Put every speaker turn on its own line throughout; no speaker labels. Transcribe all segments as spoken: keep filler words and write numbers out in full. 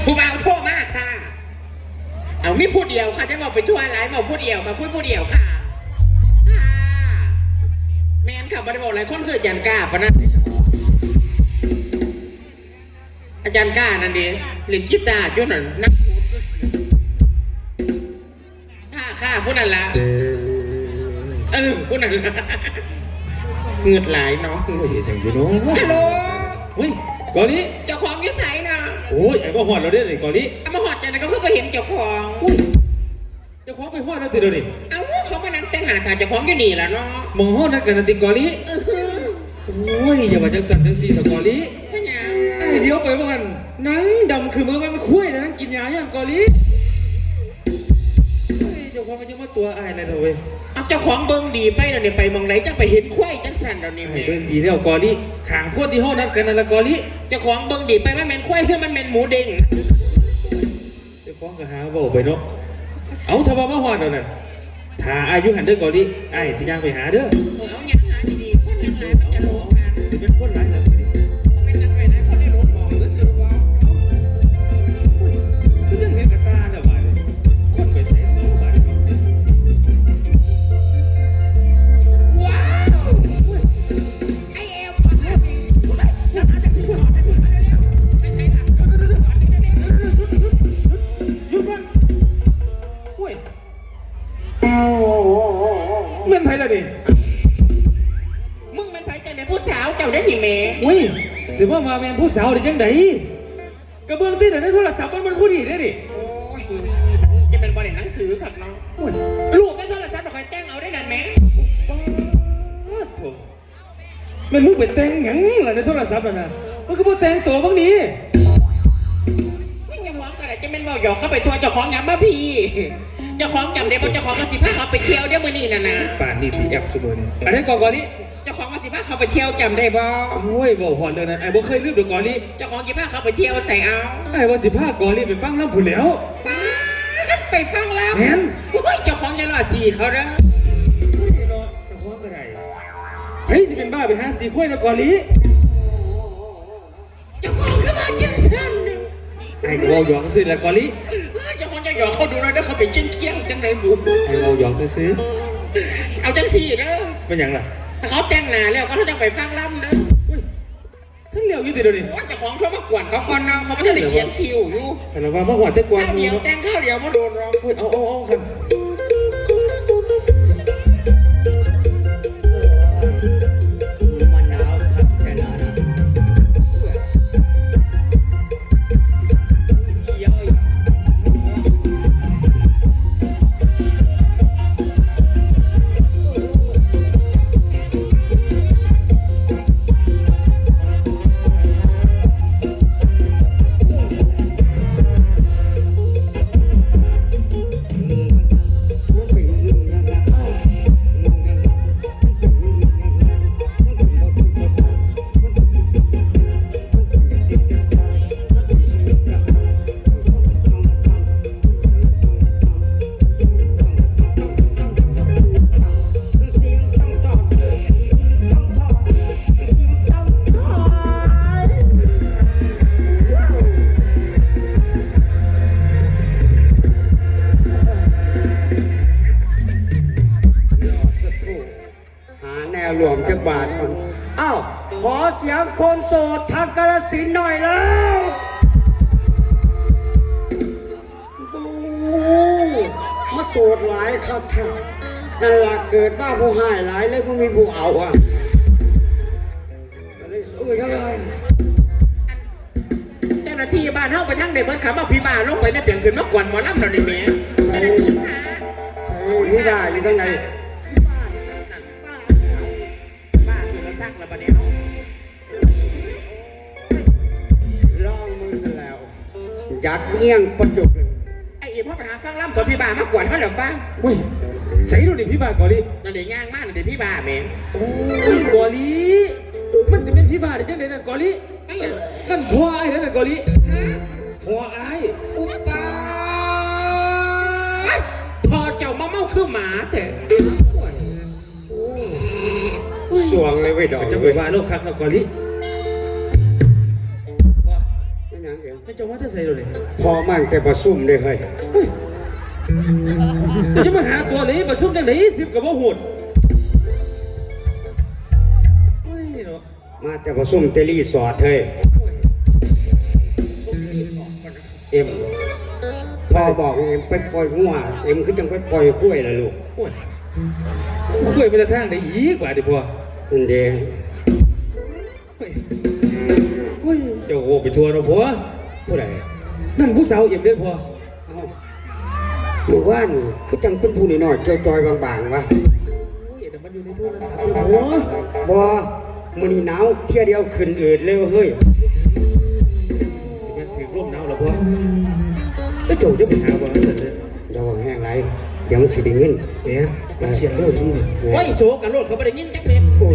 ผู้บ่าวโทรมาค่ะเอามีผู้เดียวค่ะจะบอกไปทั่วไรบอกผู้เดียวค่ะพูดผู้เดียวค่ะค่ะแมนค่ะบริบอกหลายคนคืออาจารย์ก้าปะนั่นอาจารย์ก้านั่นดิเล่นกีตาร์ยุ่นน่ะนักค่ะค่ะผู้นั้นละเออผู้นั้นละเงือดไหลเนาะ
โอ้ยจังอยู่เนาะ
ฮัลโหล
เฮ้ยกอลิ
เจ้าของยิ่ใสนะ
โอ้ยไอ้บ่ฮอดเราได้เลยกอลิ
เอามาหอดจันก็คือไปเห็นเจ้าของ
อุ้ยเจ้าของไปฮอดแล้วติเดี๋ยวนี้
เอาเขามานั่งแต่งหน้าถ่ายเจ้าของอยู่นี่ละเนาะ
มองฮอดนักกันนะติกอลิ
เออฮือ
โอ้ยอย่าว่าจังสั่นจังซี่ตะกอลิ
พะยา
ไอ้เลี้ยวไปว่ากันหนังดำคือมือมันคุ้ยแต่นั่งกินยาย่างกอลิเฮ้ยเจ้าของมันยังมาตัวอายอะไรเถอะเว้ย
เอาเจ้าของเบิ้งดีไปแล้วเนี่ยไปมองไหนจังไปเห็นควายจังสันเรานี่
ไอ้
แม่
เบิ่งดีแล้วกอลิขางพวดที่ห้องนัดกันนั่นละกอลิ
เจ้าของเบิ้งดีไปว่าแมนควายเพื่อมันแมนหมูเด้ง
เจ้าของก็หาเว้าไปเนาะเอาถ้าว่ามาฮอดแล้วนั่นถ้าอายุหันเด้อกอลิไอ้สิย่างไปหาเด้อ
เอาอย่างหาดีๆคนทั้งหลายมันจะโลกกัน
สิเป็นคนหลายแล้วทีนี้
เป็นนักเรียนนะคนได้รถมองก็คือว่า
ก็ยังเห็นกระตาเนี่ยบาดเลยคนไปเสพเนาะบาดเลย
ว้าวไอเอลก่อนนะน้ำจะขึ้นหอดจะขึ้นมาเร็วๆไม่ใช่หลังก่อนเร็วๆ
หยุดก่อนโอ้ยเม่นไผล่ะดิ
มึงมันไปแต่ในผู้สาวเจ้าได้หนิเม
อุ้ยสิว่ามาแม่นผู้สาวได้จังไดกระเบื้องที่ไหนในโทรศัพท์มันมันผู้ดีได้ดิ
โอ้ยจะเป็นบริษัทหนังสือถักเนาะ
โอ้ย
ลูกก็โทรศัพท์คอยแจ้งเอาได้นั่นไหม
ป้าดโถ่แม่นมึงไปแต่งหยังล่ะในโทรศัพท์น่ะนะมันก็บ่แต่งตัวบางนี้
ไม่ยังหวังกันจะเป็นว่าหยอกเข้าไปทัวร์เจ้าของงามบ้าพี่เจ้าของจำได้เพราะเจ้าของมาสิพาเขาไปเที่ยวเดี๋ยวมื้อนี้น่ะนะ
ป่านนี้ตีแอปเสมอนี่อันนี้ก่อนก่อนนี้
เจ้าของมาสิพาเขาไปเที่ยวจำได้บ่
โอ้ยบ่ฮอดเรื่องนั้นไอ้บ่เคยลืมดอกก่อนนี้
เจ้าของสิพาเขาไปเที่ยวใส่เอา
ไอ้ว่าสิพาก่อนนี้ไปฟังลำพุ่นแล้ว
ป๊าดไปฟังแล้ว
แม่น
โอ้ยเจ้าของจะรอดสี่เขาเด้อ
อุ้ยเนาะจะคว้าก็ได้เฮ้ยสิเป็นบ้าไปหาสีข้วยนะก่อนนี้
เจ้าของก็มาจังซั่นน่ะ
ไอ้ก็เว้าหยอกซื่อละก่อนนี้
เอ้ยเจ้าของจะหยอกเขาดูหน่อยเด้อเขาเป็นเชียงเคียงจังไหนบุ
ไอ้เว้าหยอกซื่อ
เอาจังสี่เด้อ
ๆเป็นหยังล่ะ
ถ้าเขาแต่งหน้าแล้วก็เขาจะไปฟังล่ำเด้อ
อุ้ยทั้งเหลียวอยู่ติเดี๋ยวนี้
ว่าเจ้าของเขามากวนเขาก่อนเนาะเขาไม่ได้เขียนคิวอยู่
แต่เราว่ามาหวานแต่กวาง
ข้าว
มื
เดี
อ
ยว
เนาะ
แต่งข้าวเดียวมาโดนเรา
เฮ้ยเอาเอาเอาครับมันหนาวครับแค่นั้นเย้ย
หาแนวหลวมจักบาทคนอ้าวขอเสียงคนโสดทางกาฬสินธุ์หน่อยแล้วบูมาโสดหลายครับท่านนั่นล่ะเกิดบ้าผู้หายหลายเลยผู้มีผู้เอาอ่ะก็เลยสู้ยังไง
เจ้าหน้าที่บ้านเฮาไปทั้งในเบิร์ดขับเอาพี่บ้าลงไปในเปลี่ยนขึ้นมากวนหมอลำเราในแม่เจ้าหน้าที่หา
ใช่นี่ได้อยู่ทั้งไหน
บ้าคือมาซักแล้วปะเนี่ย
ลองมือเสร็จแล้วยักเงี้ยงประจุกเลย
ไอ้อีพ่อไปหาฟังลำตัวพี่บ้ามากวนเขาเหรอป้า
เฮ้ยใส่ดูดิพี่บาก่อนดิ
นั่นเดี๋ยวย่างมากนั่นเดี๋ยวพี่บ้าแม่
โอ้ยก่อนดิมันสิเป็นพี่บาได้จังได๋นั่นก่อนดิ
ไอ้เหี้ย
นั่นทัวไอ้นั่นน่ะก่อนดิ
ฮะ
ทัวไอ้
อุปตาพอเจ้ามาเมาคือหมาแต่
สวงเลยไว้ยดอก
จะไปว่าโลกคักนะก่อนดิว่า
ไม่ยังเดี๋ยว
ไม่จะว่าถ้าใส่เลย
พอมั่งแต่ประซุ่มเลยเฮ้ย
แต่จะมาหาตัวนี้ประชุมจังไหนสิบกับว่าหุ่นเฮ้ยเนาะ
มาแต่ประซุ่มเตลี่สอดเฮ้ยเอ็มพ่อบอกเอ็มไปปล่อยงัวเอ็มคือจังไปปล่อยคุ้ยละลูก
โอ้ยคุยไปแต่ทางไหนอีกว่าดิพ่อ
นั่นเด้
เฮ้ยเฮ้ยเจ้าโอ้ไปทัวร์เนาะพ่อ
ผู้ใด
นั่นผู้สาวเอ็มเด้อพ่อ
เอ้าหมู่บ้านคือจังเป็นผู้น้อยๆจอยๆบางๆวะ
โอ้ยเดี๋ยวมันอยู่ในโทรศัพท์เลยพ่อ
บ่มื้อนี้หนาวเที่ยเดียวขึ้นอืดเลยเฮ้ย
สิแม่นถือร่มหนาวแล้วพ่อแล้วเจ้าจะไปหาบ่นั่นเลย
อย่าว่าแห้งไรเดี๋ยวมันสิได้เงิน
แม่นมันเขียนเร็วดีนี่
โอ้ยโสกันโลดเขาไม่ได้ยินจักเม็ด
โอ้ย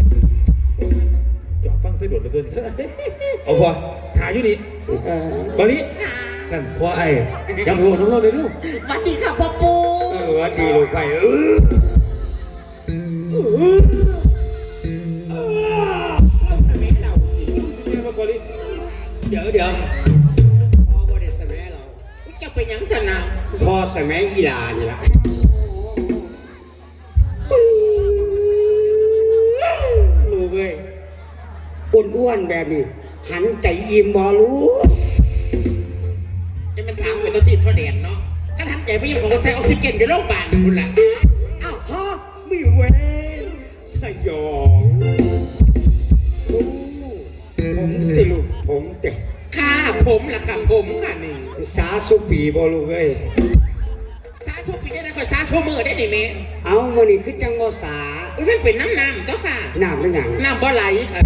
จอดฟังเต้นโดดเลยตัวนี้เอาพ่อถ่ายอยู่นี่
เอ่อ
ตอนนี้นั่นพ่อไอ้ยังรู้น้องๆเลยลูก
สวัสดีค่ะพ่อปู
เออว่าดีลูกไปเออ
เดี๋ยวเดี๋ยว
พ่อบ่ได้สมัยเรา
จะไปหยังสนาม
พ่อสมัยอีหลานี่ล่ะลูกเอ้ยอ้วนๆแบบนี้หันใจอิ่มบ่รู้
จะมันถามไปตัวที่พ่อแดนเนาะถ้าทันใจพี่ยังของใส่ออกซิเจนอยู่โรงพยาบาลคุณล่ะ
อ้าวพ่อมีเว้ยสยองโอ้ผมติลูกผมติ
ค่ะผมล่ะค่ะผมค่ะนี่
สาสุปีบ่ลูกเอ้ย
ซาทุกปีจะได้คอยซาโซมือได้ดิเม
เอามื้อนี้คือจังบ่สา
อุ้ยมันเป็นน้ำน้ำเจ้าค่ะ
น้ำเป็นหยัง
น้ำบ่ไหลค่ะ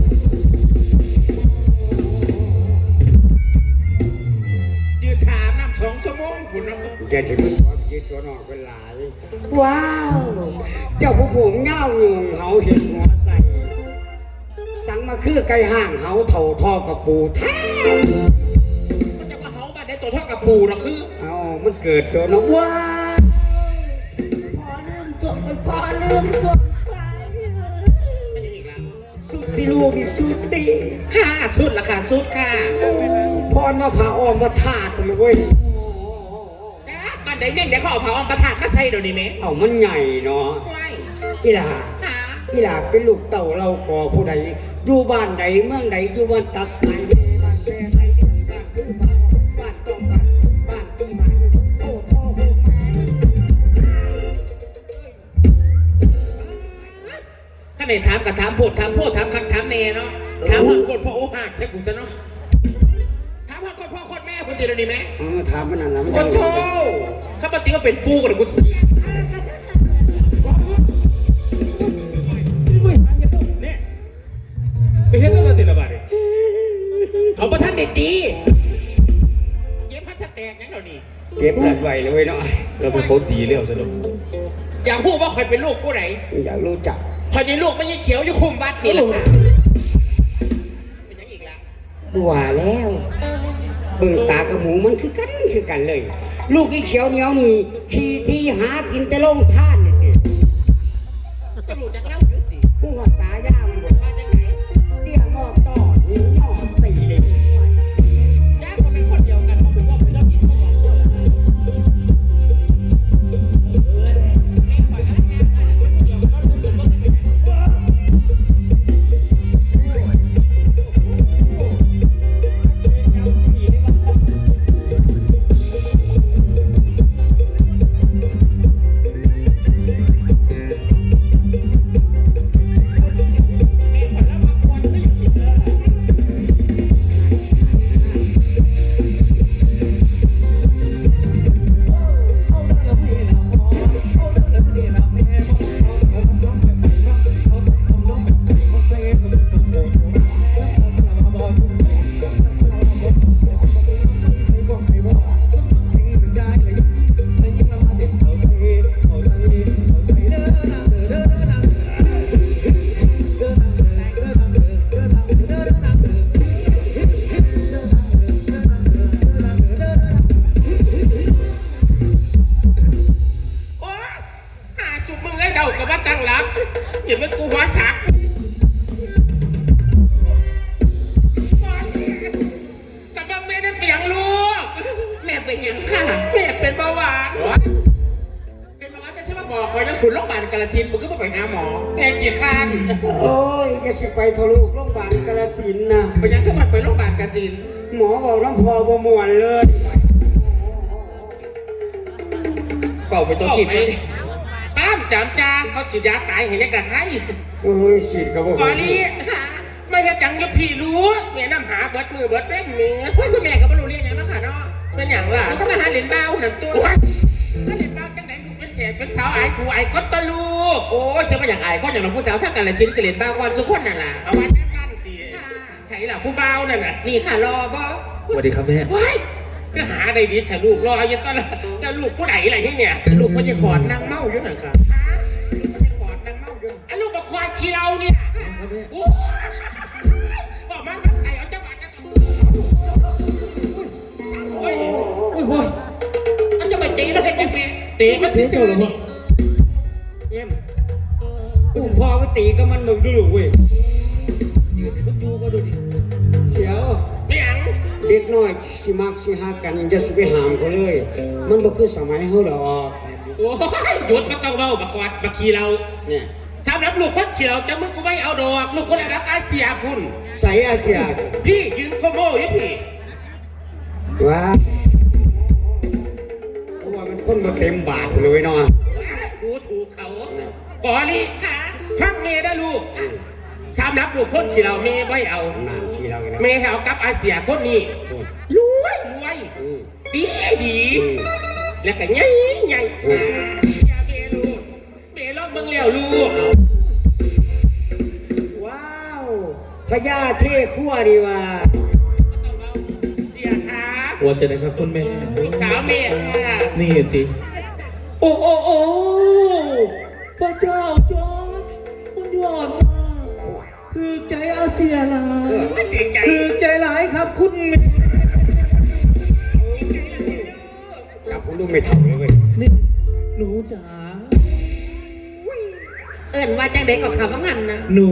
ยืนถามน้ำสองชั่วโมงคุณน้ำ
จะสิเป็นความคิดตัวนอกเป็นหลาย ว้าว เจ้าผู้ผมเง่าหนุ่งเฮาเห็นหัวใส่ สังมาคือไก่ห่างเฮาเท่าทอกับปูแท้
มันจะมาเฮาบ้านได้ตัวเท่ากับปูหรอกคือ
เอามันเกิดตัวน้องว้าวพอลืมตัวไปพอลืมตัวไป
มันยังอีกแล้ว
สุดที่ลูกนี่สุดดี
ค่ะสุดละค่ะสุดค่ะ
พรมาผ่าออมมาทาดกันเลยเว้ย
บ้านใดเนี่ยเดี๋ยวเขาเอาเผาออมประทานมาใส่เดี๋ยวนี้ไหม
เอามันใหญ่เนาะ
ไม่
อีหลา
หา
อีหลาเป็นลูกเต่าเราก่อผู้ใดอยู่บ้านใดเมืองใดอยู่บ้านตักไหนบ้านแก่ไหนบ้านคือบ้านบ้านต้องบ้านบ้านที่มันโอ้พ่อโอ้แม่
ข้าไหนถามกับถามโพดถามโพดถามคักถามเนเนาะถามคนคนพ่อโอ้หักใช่กูจะเนาะถามคนพ่อคนแม่คนเดียวนี้ไหม
เออถามมันนั่นนะมัน
โอ้โธ่ข้าปฏิว่าเป็นปูกับกูเสีย
ไปเห็นแล้วมาติดระบาดเลย
เขาประท่านเด็ดดีเย็บพัสแตกยังเดี๋ยวนี้
เก็บเลือดไว้เลยเว้ยเนาะ
เราเป็นเขาตีเลี้ยวซะแล้ว
อยากพูดว่าคอยเป็นลูกผู้ไหน
อยากรู้จัก
คอยในลูกไม่ใช่เขียวอยู่คุมวัดนี่แหละค่ะเป็นยังอีกแล้ว
ว่าแล้วเบิ่งตากับหมูมันคือกันคือกันเลย ลูกอีเขียวเหนียวนี่ขี่ที่หากินแต่ลงท่านนี่ติ
ก็รู้จักเล่าอยู่สิ
ผู้หัวสายามันบอก
มาจากไหน
เตี้ยงอกต่อหิวหม้อสี่เลย
ย่าก็เป็นคนเดียวกันเพราะผมว่าเป็นเรื่องอินเขาบอกเดียวกันไม่ปล่อยกันแล้วแค่มาคนเดียวก็รู้สึกว่าจะเป็นยังไง
เ
คุณโรงพยาบาลกาฬสินธุ์มึงก็ต้องไปหาหมอแอนกี่คัน
โอ้ยจะสิไปทะลุโรงพยาบาลกาฬสินธุ์นะ
ไปยังก็มาไปโรงพยาบาลกาฬสินธุ์
หมอบอกน้ำพอบ่ม่วนเลย
เป่าไปตัวขีดเลย
ป้ามจามจาเขาสิยาตายเห็นยังกับใคร
โอ้ยสิก็บ่
ก่อนนี้ไม่ใช่จังจะพี่รู้เมียน้ำหาเบิดมือเบิดเป้งเมีย
เฮ้ยคุณแม่ก็ไม่รู้เรื่องอย่างนั้นค่ะเนาะ
เป็นอย่างล่ะ
มันก็มาหาเหรียญเบ้าหนึ่งตัว
ถ้าเล่นบ้าจังไหนลูกเป็นเศษเป็นสาวไอ้กูไอ้ก็ตะลูก
โอ้ยฉันมาอยากอายคนอย่างน้องผู้สาวถ้ากาฬสินธุ์ก็เหรียญเบ้าก่อนสุกคนนั่นแหละ
เอาวันแค่สั้นตีใส่หล่ะผู้เบานั่นน่ะ
นี่ค่ะรอบ่
สวัสดีครับแม่
ว้ายก็หาได้ดีแต่ลูกรอยังตอนจะลูกผู้ไหนอะไรที่เนี่ย
ลูกพ่อจะขอนนางเมาอยู่หน่อยค่ะลูกพ่อจะขอนนางเมาอยู่
ไอ้ลูกมาควานขี้เราเนี่ยโอ้บอกมันมันใส่เอาจังหวะจังโอ้ย
โอ้ยโอ้ย
มันจะไปตีแล้วเป็นยังไง
ตีมัน
เสีย
ซื่
เจ้า
อ
เหรอ
ๆ
วะ
นี่
เอ็มอุ้มพ่อไปตีก็มันมึงดูลูกเว้ย
ยืนให้มันอยู่ก็ดูดิ
เดี๋ยว
ไม่อัง
เด็กน้อยสิมักสิหากันจะสิไปหามเขาเลย มันบ่คือสมัยเฮาดอก
โอ้ยหยุดมันต้องเบาบักควานบักขี้เรา
เนี่ย
สำหรับลูกคนขี้เราจะมึงกูไม่เอาดอกลูกคนระดับอาเซียพุ่น
ใส่อาเซีย
พี่ยืนโคโม่ยี่พี่
ว่าเพราะว่ามันคนบ่เต็มบาทเลยเนาะ
ดูถูกเขาก่อนนี้ฟังเมย์ได้ลูกสำหรับลูกคนขี้เราเมย์ไม่เอา
นานทีเราเลยนะ
เมย์เอากับอาเซียคนนี้รวยรวย
อืม
ดีดี
อืม
แล้วก็ใหญ่ใหญ่อย่าเมย์ลูกเมย์ลอกเบิ่งแล้วลูก
ว้าวพญาเท่ขั้วดีว่า
เสียขา
ว่าจะได้ครับคุณแม่
ลูกสาวเมย์ค่ะ
นี่ติโอ้โอ้โอ้พระเจ้าจอร์จมันยอดมากคือใจอาเซียหลาย
ไม่จริงใจ
คือใจหลายครับคุณแม่
กับผมดูไม่เท่าเลยเว้ย
นี่หนูจ๋า
เอิ้นว่าจังเด็กก็ข่าวว่างั้นนะ
หนู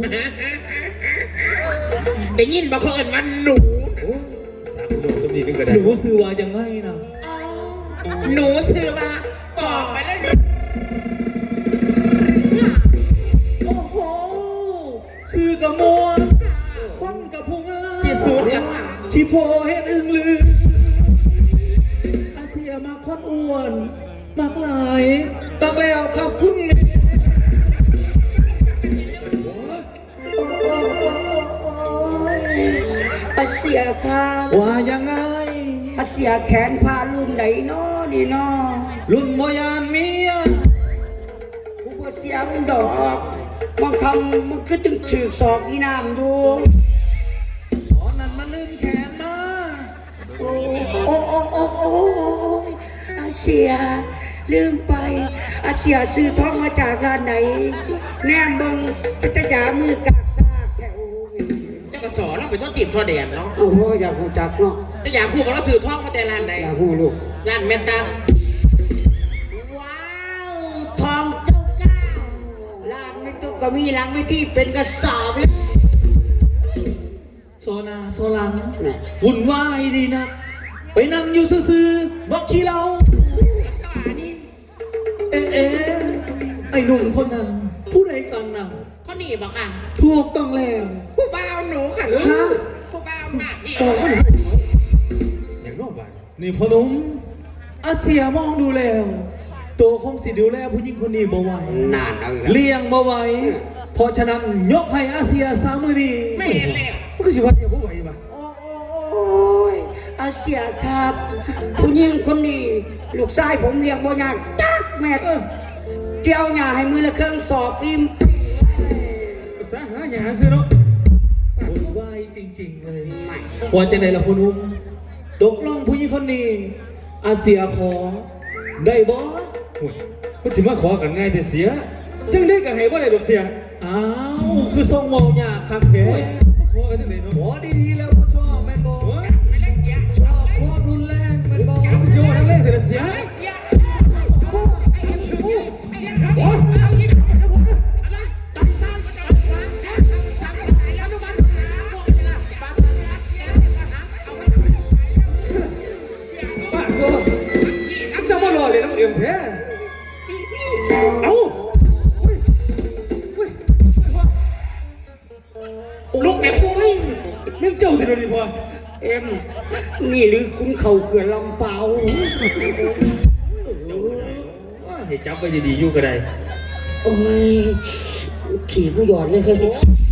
ได้ยินบอกเขาเอิ้นว่าหนู
สามคนสมดีนึงก็ได้หนูซื้อว่ายังไงนะ
หนูซื้อมาบอกไปแล้ว
โอ้โหซื้อกับมวนควันกับพงอา
ที่สุดแล้วค่ะ
ชีโฟเฮ็ดอึงลืออาเซียมาควันอ้วนมากหลายตักแล้วครับคุณแม่
อาเซียครับ
ว่ายังไง
อาเซียแขนพารุ่นไหนเนาะนี่เนาะ
รุ่นโมยานเมีย
กูบ่เสียมึงดอกบางคำมึงคือตึงถือศอกอีน้ำอยู่
ตอนนั้นมันลืมแขนมา
โอ้โอ้โอ้โอ้โอ้อาเซียลืมไปอาเซียซื้อทองมาจากร้านไหนแนมเบิ่งเป็นตะยามือกากซากแถว
เจ้าก็สอนเราไปต้นจีบทั่วแดนเนาะ
เอาพ่ออยากรู้จักเนาะ
จะอยากพูดกับเราสื่อท่องมาแต่ร้านใด
อยากรู้ลูก
ร้านแม่นตาม
ว้าวทองเจ้าเก้าร้านไม่ตุกก็มีหลังไม่ที่เป็นกระสอบเลย
โซนาโซลัง
เนี่ย
วุ่นวายดีนัก ไปนั่งอยู่ซื่อๆบอกขี้เราเอ๊ะเอ๊ะไอ้หนุ่มคนนั้นผู้ใดกันนะ
เขาหนีบอกค่ะ
ถูกต้องแล้ว
ผู้บ่าวหนูค่ะ
ฮะ
ผู้บ่าวหน้าที่
บอกว่าอย่างนอกบ้านนี่พ่อหนุ่มอาเซียมองดูแล้ว ตัวคงสิดูแลผู้หญิงคนนี้บ่ไหวน
านเอาอีกแล้ว
เลี้ยงบ่ไหวเพราะฉะนั้นยกให้อาเซียสามมือดี
ไม่เห็นแล้ว
มันก็สิว่าเดียวบ่ไหวป่ะ
โอ้โอ้โอ้ยอาเซียครับผู้หญิงคนนี้ลูกชายผมเลี้ยงบ่ยากจักแม่เออเกี่ยวหญ้าให้มือละเครื่องสอบอิ่ม
ภาษาหาหยาซื้อเนาะวุ่นวายจริงๆเลย
ไม่
ว่าจะไหนล่ะพ่อหนุ่มตกลงผู้หญิงคนนี้ อาเซียขอ ได้บ่โอ้ยมันสิมาขอกันง่ายแต่เสีย จังได้ก็ให้บ่ได้ดอกเสีย อ้าว คือทรงเมายากคักแท้ขอกันจังไดเนาะขอดีๆแล้วก็ชอบแม่นบ่
ไม่ได้เสีย
ชอบความรุนแรงแม่นบ่ก็สิว่าทั้งแรงแต่ละเสีย
ไม่เสียโอ้ยเอาอีกอะไรตัดซ้ายก็ตัดขวาสามสายแล้วดูมัน
ป้าก็จะบ่รอเลยน้องเอ็มแท้เอ้าดูดิพ่อ
เอ็มนี่หรือคุณเข่าเขื่อนลำเปา
ให้จับไปดีๆอยู่ก็ได้
โอ้ยขี่กูหยอดเลย